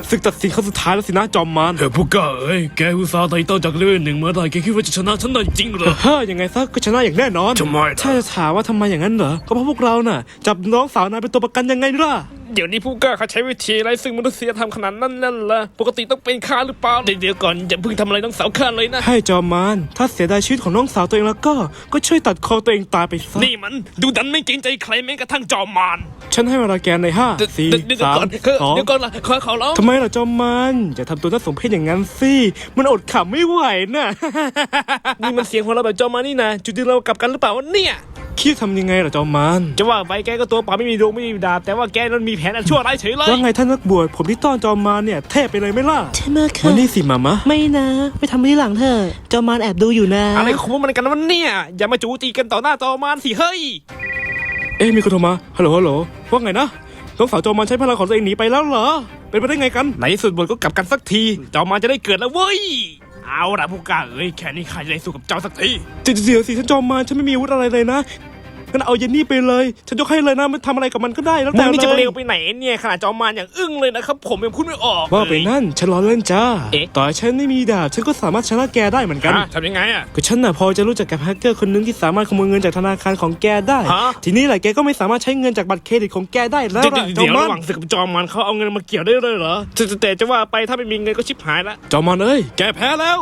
ศึกตัดสินครั้งสุดท้ายแล้วสินะจอมมารผู้กล้าเอ้ยแกอุตส่าห์ไต่เต้าจากเลเวล1มาได้แกคิดว่าจะชนะฉันได้จริงเหรอยังไงซะก็ชนะอย่างแน่นอนทำไมถ้าจะถามว่าทำไมอย่างนั้นเหรอก็เพราะพวกเราน่ะจับน้องสาวนายเป็นตัวประกันยังไงล่ะเดี๋ยวนี้ผู้กล้าเขาใช้วิธีอะไรซึ่งมนุษยธรรมขนาดนั้นนั่นล่ะปกติต้องเป็นข้าหรือเปล่าเดี๋ยวก่อนอย่าเพิ่งทำอะไรน้องสาวข้าเลยนะให้จอมมารถ้าเสียดายชีวิตของน้องสาวตัวเองแล้วก็ช่วยตัดคอตัวเองตายไปซะนี่มันดูดันไม่เกรงใจใครแม้กระทั่งจอมมารฉันให้เวลาแกใน5 4 3 2เดี๋ยวก่อนล่ะขอร้องทำไมล่ะจอมมารอย่าทำตัวน่าสมเพชอย่างนั้นสิมันอดขำไม่ไหวน่ะ นี่มันเสียงของเราแบบจอมมารนี่นะจุดที่เรากลับกันหรือเปล่าวะเนี่ยคิดทำยังไงล่ะจอมมารจะว่าไปแกก็ตัวเปล่าไม่มีดวงไม่มีดาบแต่ว่าแกนั้นมีแผนอันชั่วร้ายเฉยเลยว่าไงท่านนักบวชผมที่ต้อนจอมมารเนี่ยเทพไปเลยไหมล่ะใช่ไหมคะวันนี้สิมามะไม่นะไปทำที่หลังเถอะจอมมารแอบดูอยู่นะอะไรของมันกันวะเนี่ยอย่ามาจูตีกันต่อหน้าจอมมารสิเฮ้ยมีคนโทรมาฮัลโหลว่าไงนะน้องสาวจอมมารใช้พลังของตัวเองหนีไปแล้วเหรอเป็นไปได้ไงกันในสุดบทก็กลับกันสักทีจอมมารจะได้เกิดแล้วเว้ยเอาล่ะผู้กล้าเอ้ยแค่นี้ข้าจะได้สู้กับเจ้าสักทีเดี๋ยวสิฉันจอมมารฉันไม่มีอาวุธอะไรเลยนะงั้นเอาเยนนี่ไปเลยฉันยกให้เลยนะมันทำอะไรกับมันก็ได้แล้วแต่เลยนี่จะเร็วไปไหนเนี่ยขนาดจอมมารอย่างอึ้งเลยนะครับผมยังพูดไม่ออกว่าไปนั่นฉันล้อเล่นจ้าต่อให้ฉันไม่มีดาบฉันก็สามารถชนะแกได้เหมือนกันทำยังไงอ่ะก็ฉันน่ะพอจะรู้จักกับแฮกเกอร์คนนึงที่สามารถขโมยเงินจากธนาคารของแกได้ทีนี้แหละแกก็ไม่สามารถใช้เงินจากบัตรเครดิตของแกได้แล้วเดี๋ยวระหว่างศึกกับจอมมารเขาเอาเงินมาเกี่ยวได้เลยเหรอแต่จะว่าไปถ้าไม่มีเงินก็ชิบหายละจอมมารเอ้ยแกแพ้แล้ว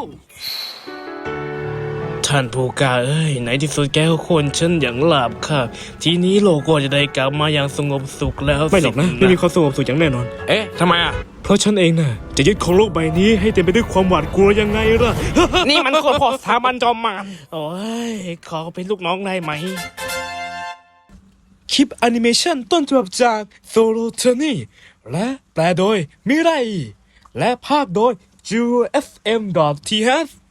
ท่านผู้กล้าเอ้ยในที่สุดแกก็ควรฉันอย่างหลับค่ะทีนี้โลกก็จะได้กลับมาอย่างสงบสุขแล้วไม่หรอกนะไม่มีความสงบสุขอย่างแน่นอนทำไมอ่ะเพราะฉันเองน่ะจะยึดของโลกใบนี้ให้เต็มไปด้วยความหวาดกลัวยังไงล่ะ นี่มันคนพอสถาบันจอมมารโอ้ยขอเป็นลูกน้องได้ไหมคลิปแอนิเมชันต้นฉบับจากโซโลเทนี่และแปลโดยมิไรและภาคโดย JFM.TH